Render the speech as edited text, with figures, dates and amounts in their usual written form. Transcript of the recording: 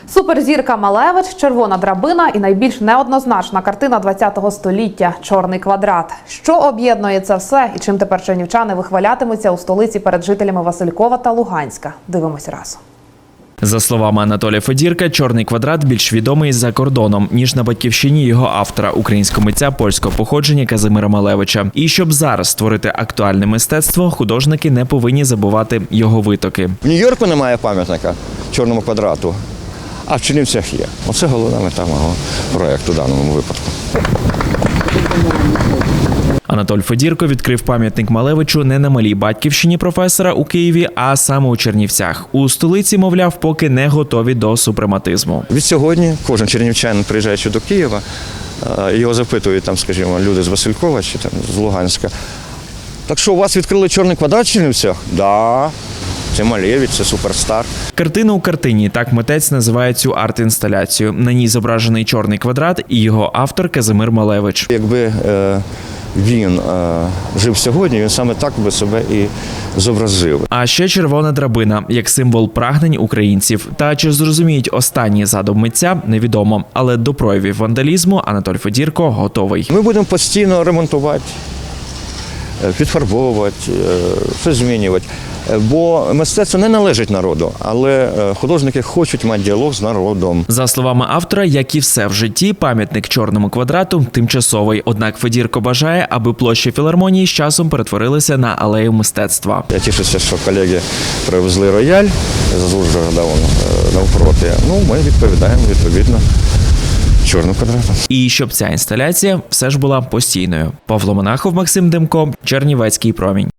Суперзірка Малевич, червона драбина і найбільш неоднозначна картина ХХ століття – «Чорний квадрат». Що об'єднує це все і чим тепер чернівчани вихвалятимуться у столиці перед жителями Василькова та Луганська? Дивимось разом. За словами Анатолія Федірка, «Чорний квадрат» більш відомий за кордоном, ніж на батьківщині його автора, українського митця польського походження Казимира Малевича. І щоб зараз створити актуальне мистецтво, художники не повинні забувати його витоки. В Нью-Йорку немає пам'ятника «Чорному квадрату», а в Чернівцях є. Оце головна мета мого проєкту в даному випадку. Анатолій Федірко відкрив пам'ятник Малевичу не на малій батьківщині професора у Києві, а саме у Чернівцях. У столиці, мовляв, поки не готові до супрематизму. Від сьогодні кожен чернівчанин, приїжджаючи до Києва, його запитують, там, скажімо, люди з Василькова чи там, з Луганська. Так що, у вас відкрили «Чорний квадрат» в Чернівцях? Да. Це Малевич, це суперстар. Картина у картині – так митець називає цю арт-інсталяцію. На ній зображений чорний квадрат і його автор Казимир Малевич. Якби він жив сьогодні, він саме так би себе і зобразив. А ще червона драбина, як символ прагнень українців. Та чи зрозуміють останній задум митця – невідомо. Але до проявів вандалізму Анатолій Федірко готовий. Ми будемо постійно ремонтувати, підфарбовувати, щось змінювати. Бо мистецтво не належить народу, але художники хочуть мати діалог з народом. За словами автора, як і все в житті, пам'ятник «Чорному квадрату» тимчасовий. Однак Федірко бажає, аби площі філармонії з часом перетворилися на алею мистецтва. Я тішуся, що колеги привезли рояль з Ужгорода навпроти. Ну, ми відповідаємо відповідно «Чорному квадрату». І щоб ця інсталяція все ж була постійною. Павло Монахов, Максим Демко, Чернівецький промінь.